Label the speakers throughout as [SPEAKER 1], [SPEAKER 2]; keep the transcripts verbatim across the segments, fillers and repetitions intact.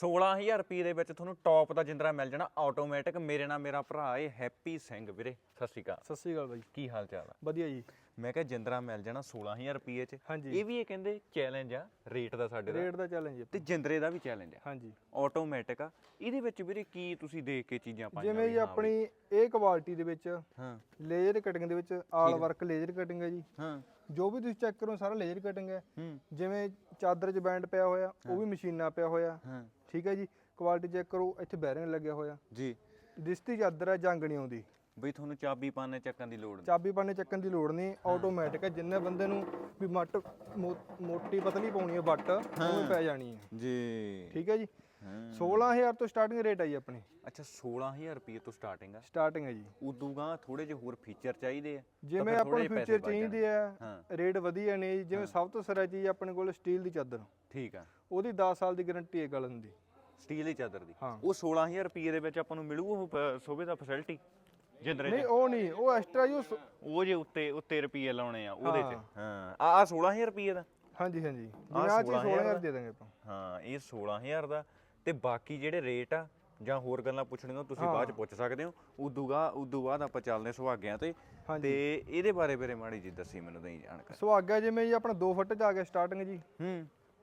[SPEAKER 1] सोलह हज़ार रुपये ਦੇ ਵਿੱਚ ਤੁਹਾਨੂੰ ਟੌਪ ਦਾ ਜਿੰਦਰਾ ਮਿਲ ਜਾਣਾ ਆਟੋਮੈਟਿਕ। ਮੇਰੇ ਨਾਲ ਮੇਰਾ ਭਰਾ ਏ ਹੈਪੀ ਸਿੰਘ ਵੀਰੇ, ਸਤਿ ਸ਼੍ਰੀ ਅਕਾਲ।
[SPEAKER 2] ਸਤਿ ਸ਼੍ਰੀ ਅਕਾਲ ਬਾਈ,
[SPEAKER 1] ਕੀ ਹਾਲ ਚਾਲ ਆ?
[SPEAKER 2] ਵਧੀਆ ਜੀ।
[SPEAKER 1] ਮੈਂ ਕਿਹਾ ਜਿੰਦਰਾ ਮਿਲ ਜਾਣਾ सोलह हज़ार ਰੁਪਏ ਚ।
[SPEAKER 2] ਹਾਂਜੀ,
[SPEAKER 1] ਇਹ ਵੀ ਇਹ ਕਹਿੰਦੇ ਚੈਲੰਜ ਆ ਰੇਟ ਦਾ, ਸਾਡੇ ਦਾ
[SPEAKER 2] ਰੇਟ ਦਾ ਚੈਲੰਜ
[SPEAKER 1] ਤੇ ਜਿੰਦਰੇ ਦਾ ਵੀ ਚੈਲੰਜ ਆ।
[SPEAKER 2] ਹਾਂਜੀ,
[SPEAKER 1] ਆਟੋਮੈਟਿਕ ਆ। ਇਹਦੇ ਵਿੱਚ ਵੀਰੇ ਕੀ ਤੁਸੀਂ ਦੇਖ ਕੇ ਚੀਜ਼ਾਂ ਪਾਈਆਂ?
[SPEAKER 2] ਜਿਵੇਂ ਜੀ ਆਪਣੀ ਇਹ ਕੁਆਲਿਟੀ ਦੇ ਵਿੱਚ
[SPEAKER 1] ਹਾਂ,
[SPEAKER 2] ਲੇਜ਼ਰ ਕਟਿੰਗ ਦੇ ਵਿੱਚ ਆਲ ਵਰਕ ਲੇਜ਼ਰ ਕਟਿੰਗ ਹੈ ਜੀ।
[SPEAKER 1] ਹਾਂ,
[SPEAKER 2] ਜੋ ਵੀ ਤੁਸੀਂ ਚੈੱਕ ਕਰੋ ਸਾਰਾ ਲੇਜ਼ਰ ਕਟਿੰਗ ਹੈ।
[SPEAKER 1] ਹੂੰ,
[SPEAKER 2] ਜਿਵੇਂ ਚਾਦਰ 'ਚ ਬੈਂਡ ਪਿਆ ਹੋਇਆ ਉਹ ਵੀ ਮਸ਼ੀਨਾਂ ਪਿਆ ਹੋਇਆ।
[SPEAKER 1] ਹਾਂ,
[SPEAKER 2] ਠੀਕ ਹੈ ਜੀ। ਕੁਆਲਿਟੀ ਚੈੱਕ ਕਰੋ, ਇੱਥੇ ਬੈਰਿੰਗ ਲੱਗਿਆ ਹੋਇਆ
[SPEAKER 1] ਜੀ।
[SPEAKER 2] ਦਿਸਤੀ ਚਾਦਰ ਹੈ, ਜੰਗ ਨਹੀਂ ਆਉਂਦੀ।
[SPEAKER 1] ਬਈ ਤੁਹਾਨੂੰ ਚਾਬੀ ਪਾਣੇ ਚੱਕਣ ਦੀ ਲੋੜ ਨਹੀਂ,
[SPEAKER 2] ਚਾਬੀ ਪਾਣੇ ਚੱਕਣ ਦੀ ਲੋੜ ਨਹੀਂ, ਆਟੋਮੈਟਿਕ ਹੈ। ਜਿੰਨੇ ਬੰਦੇ ਨੂੰ ਵੀ ਮੱਟ ਮੋ- ਮੋਟੀ ਪਤਲੀ ਪਾਉਣੀ ਹੈ ਬੱਟ ਉਹ ਪੈ ਜਾਣੀ ਹੈ
[SPEAKER 1] ਜੀ।
[SPEAKER 2] ਠੀਕ ਹੈ ਜੀ।
[SPEAKER 1] ਹਾਂ,
[SPEAKER 2] सोलह हज़ार ਤੋਂ ਸਟਾਰਟਿੰਗ ਰੇਟ ਆਈ ਆਪਣੀ।
[SPEAKER 1] ਅੱਛਾ सोलह हज़ार ਰੁਪਏ ਤੋਂ ਸਟਾਰਟਿੰਗ ਆ।
[SPEAKER 2] ਸਟਾਰਟਿੰਗ ਹੈ ਜੀ।
[SPEAKER 1] ਉਦੋਂ ਗਾ ਥੋੜੇ ਜਿਹੇ ਹੋਰ ਫੀਚਰ ਚਾਹੀਦੇ ਆ,
[SPEAKER 2] ਜਿਵੇਂ ਆਪਾਂ ਨੂੰ ਫੀਚਰ ਚਾਹੀਦੇ ਆ,
[SPEAKER 1] ਹਾਂ।
[SPEAKER 2] ਰੇਟ ਵਧੀਆ ਨੇ ਜੀ। ਜਿਵੇਂ ਸਭ ਤੋਂ ਸਿਰਾ ਚੀਜ਼ ਆਪਣੇ ਕੋਲ ਸਟੀਲ ਦੀ ਚਾਦਰ,
[SPEAKER 1] ਠੀਕ ਆ।
[SPEAKER 2] ਉਹਦੀ ਦਸ ਸਾਲ ਦੀ ਗਾਰੰਟੀ ਹੈ ਗਲਨ ਦੀ,
[SPEAKER 1] ਸਟੀਲ ਦੀ ਚਾਦਰ ਦੀ।
[SPEAKER 2] ਹਾਂ।
[SPEAKER 1] ਉਹ सोलह हज़ार ਰੁਪਏ ਦੇ ਵਿੱਚ ਆਪਾਂ ਨੂੰ ਮਿਲੂ ਉਹ ਪ- ਸੋਭੇ ਦਾ ਫੈਸਿਲਿਟੀ ਜਿੰਦਰੇ
[SPEAKER 2] ਨਹੀਂ
[SPEAKER 1] ਚ?
[SPEAKER 2] ਉਹ ਨਹੀਂ, ਉਹ ਐਕਸਟਰਾ ਜੋ ਸ-
[SPEAKER 1] ਉਹ ਜੇ ਉੱਤੇ ਉੱਤੇ ਰੁਪਏ ਲਾਉਣੇ ਆ ਉਹਦੇ ਚ।
[SPEAKER 2] ਹਾਂ।
[SPEAKER 1] ਹਾਂ, ਆ ਆ सोलह हज़ार ਰੁਪਏ ਦਾ।
[SPEAKER 2] ਹਾਂਜੀ ਹਾਂਜੀ, ਜਿਵੇਂ
[SPEAKER 1] ਆਹ
[SPEAKER 2] ਆ ਚੀਜ਼
[SPEAKER 1] सोलह
[SPEAKER 2] सोलह
[SPEAKER 1] हज़ार
[SPEAKER 2] हज़ार ਦੇ ਦਾਂਗੇ ਆਪਾਂ।
[SPEAKER 1] ਹਾਂ, ਇਹ सोलह हज़ार ਦਾ। ਤੇ ਬਾਕੀ ਜਿਹੜੇ ਰੇਟ ਆ ਜਾਂ ਹੋਰ ਗੱਲਾਂ ਪੁੱਛਣੀਆਂ ਤੁਸੀਂ ਬਾਅਦ ਚ ਪੁੱਛ ਸਕਦੇ ਹੋ। ਉਦੋਂ ਗਾ ਉਦੋਂ ਬਾਅਦ ਆਪਾਂ ਚੱਲਦੇ ਸੁਹਾਗਿਆਂ ਤੇ। ਤੇ ਇਹਦੇ ਬਾਰੇ ਵੀਰੇ ਮਾੜੀ ਜੀ ਦੱਸੀ ਮੈਨੂੰ, ਨਹੀਂ ਜਾਣਕਾਰੀ।
[SPEAKER 2] ਸੁਹਾਗਾ ਜਿਵੇਂ ਜੀ ਆਪਣਾ ਦੋ ਫੁੱਟ ਚ ਆ ਗਿਆ ਸਟਾਰਟਿੰਗ ਜੀ।
[SPEAKER 1] ਹੂੰ,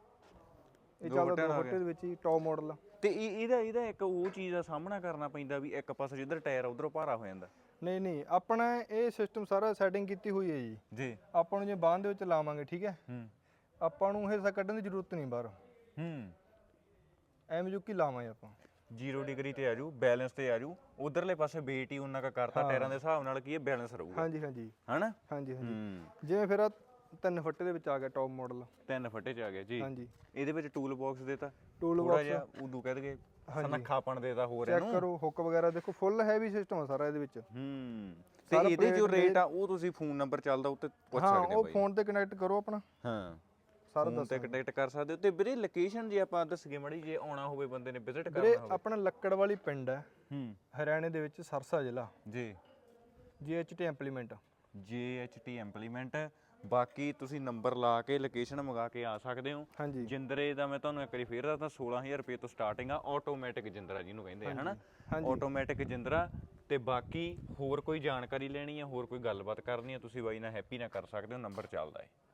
[SPEAKER 2] ਇਹ ਚੱਲਦਾ ਦੋ ਫੁੱਟ ਦੇ ਵਿੱਚ ਹੀ ਟੌਪ ਮਾਡਲ।
[SPEAKER 1] ਤੇ ਇਹ- ਇਹਦਾ ਇਹਦਾ ਇੱਕ ਉਹ ਚੀਜ਼ ਦਾ ਸਾਹਮਣਾ ਕਰਨਾ ਪੈਂਦਾ ਵੀ ਇੱਕ ਪਾਸੇ ਜਿੱਧਰ ਟਾਇਰ ਉਧਰੋਂ ਭਾਰਾ ਹੋ ਜਾਂਦਾ।
[SPEAKER 2] ਨਹੀਂ ਨਹੀਂ, ਆਪਣਾ ਇਹ ਸਿਸਟਮ ਸਾਰਾ ਸੈਟਿੰਗ ਕੀਤੀ ਹੋਈ ਹੈ ਜੀ।
[SPEAKER 1] ਜੀ।
[SPEAKER 2] ਆਪਾਂ ਨੂੰ ਜੇ ਬਾਂਹ ਦੇ ਵਿੱਚ ਲਾਵਾਂਗੇ, ਠੀਕ ਹੈ,
[SPEAKER 1] ਹੂੰ,
[SPEAKER 2] ਆਪਾਂ ਨੂੰ ਹਿੱਸਾ ਕੱਢਣ ਦੀ ਜ਼ਰੂਰਤ ਨਹੀਂ ਬਾਹਰ,
[SPEAKER 1] ਹੂੰ।
[SPEAKER 2] ਐਵੇਂ ਜੁਕੀ ਲਾਵਾਂਗੇ ਆਪਾਂ।
[SPEAKER 1] ਜ਼ੀਰੋ ਡਿਗਰੀ ਤੇ ਆਜੂ, ਬੈਲੈਂਸ ਤੇ ਆਜੂ। ਉਧਰਲੇ ਪਾਸੇ weight ਹੀ ਉਹਨਾਂ ਕਾ ਕਰਤਾ ਟਾਇਰਾਂ ਦੇ ਹਿਸਾਬ ਨਾਲ, ਕੀ ਇਹ ਬੈਲੈਂਸ ਰਹੂਗਾ।
[SPEAKER 2] ਹਾਂਜੀ ਹਾਂਜੀ
[SPEAKER 1] ਹਨਾ?
[SPEAKER 2] ਹਾਂਜੀ ਹਾਂਜੀ।
[SPEAKER 1] ਹੂੰ।
[SPEAKER 2] ਜਿਵੇਂ ਫਿਰ ਆਹ ਤਿੰਨ ਫੁੱਟ ਦੇ ਵਿੱਚ ਆ ਗਿਆ ਟੌਪ ਮਾਡਲ।
[SPEAKER 1] ਤਿੰਨ ਫੱਟੇ ਚ ਆ ਗਿਆ ਜੀ।
[SPEAKER 2] ਹਾਂਜੀ,
[SPEAKER 1] ਇਹਦੇ ਵਿੱਚ ਟੂਲ ਬਾਕਸ ਦੇਤਾ,
[SPEAKER 2] ਟੂਲ
[SPEAKER 1] ਥੋੜਾ ਜਿਹਾ ਉਦੋਂ ਕਹਿ ਦਗੇ ਸਨੱਖਾਪਣ ਦੇਤਾ ਹੋਰ
[SPEAKER 2] ਚੈੱਕ
[SPEAKER 1] ਇਹਨੂੰ।
[SPEAKER 2] ਕਰੋ ਹੁੱਕ ਵਗੈਰਾ ਦੇਖੋ, ਫੁੱਲ ਹੈਵੀ ਸਿਸਟਮ ਆ ਸਾਰਾ ਇਹਦੇ ਵਿੱਚ।
[SPEAKER 1] ਹੂੰ। ਤੇ ਇਹਦੇ ਜੋ ਰੇਟ ਆ ਉਹ ਤੁਸੀਂ ਫੋਨ ਨੰਬਰ ਚੱਲਦਾ ਉੱਤੇ ਪੁੱਛ
[SPEAKER 2] ਹਾਂ,
[SPEAKER 1] ਸਕਦੇ ਹੋ
[SPEAKER 2] ਉਹ
[SPEAKER 1] ਬਾਈ।
[SPEAKER 2] ਫੋਨ ਤੇ ਕਨੈਕਟ ਕਰੋ ਆਪਣਾ,
[SPEAKER 1] ਹਾਂ,
[SPEAKER 2] ਸਾਰਾ
[SPEAKER 1] ਫੋਨ ਤੇ ਕੰਟੈਕਟ ਕਰ ਸਕਦੇ ਹੋ। ਤੇ ਵੀਰੇ ਲੋਕੇਸ਼ਨ ਜੇ ਆਪਾਂ ਦੱਸਗੇ ਮੜੀ, ਜੇ ਆਉਣਾ ਹੋਵੇ ਬੰਦੇ ਨੇ ਵਿਜ਼ਿਟ
[SPEAKER 2] ਵੀਰੇ
[SPEAKER 1] ਕਰਨਾ ਹੋਵੇ?
[SPEAKER 2] ਆਪਣਾ ਲੱਕੜ ਵਾਲੀ ਪਿੰਡ ਹੈ,
[SPEAKER 1] ਹੂੰ,
[SPEAKER 2] ਹਰਿਆਣੇ ਦੇ ਵਿੱਚ, ਸਰਸਾ ਜ਼ਿਲ੍ਹਾ,
[SPEAKER 1] ਜੀ।
[SPEAKER 2] G H T implement.
[SPEAKER 1] J H T implement. ਬਾਕੀ ਤੁਸੀਂ ਨੰਬਰ ਲਾ ਕੇ ਲੋਕੇਸ਼ਨ ਮੰਗਾ ਕੇ ਆ ਸਕਦੇ ਹੋ।
[SPEAKER 2] ਹਾਂਜੀ
[SPEAKER 1] ਜਿੰਦਰੇ ਦਾ ਮੈਂ ਤੁਹਾਨੂੰ ਇੱਕ ਵਾਰੀ ਫੇਰ ਦੱਸਦਾ, सोलह हज़ार ਰੁਪਏ ਤੋਂ ਸਟਾਰਟਿੰਗ ਆ। ਆਟੋਮੈਟਿਕ ਜਿੰਦਰਾ ਜਿਹਨੂੰ ਕਹਿੰਦੇ ਆ, ਹਨਾ? ਆਟੋਮੈਟਿਕ ਜਿੰਦਰਾ। ਤੇ ਬਾਕੀ ਹੋਰ ਕੋਈ ਜਾਣਕਾਰੀ ਲੈਣੀ ਹੈ, ਹੋਰ ਕੋਈ ਗੱਲਬਾਤ ਕਰਨੀ ਹੈ, ਤੁਸੀਂ ਬਾਈ ਨਾਲ ਹੈਪੀ ਨਾਲ ਕਰ ਸਕਦੇ ਹੋ। ਨੰਬਰ ਚੱਲਦਾ ਹੈ।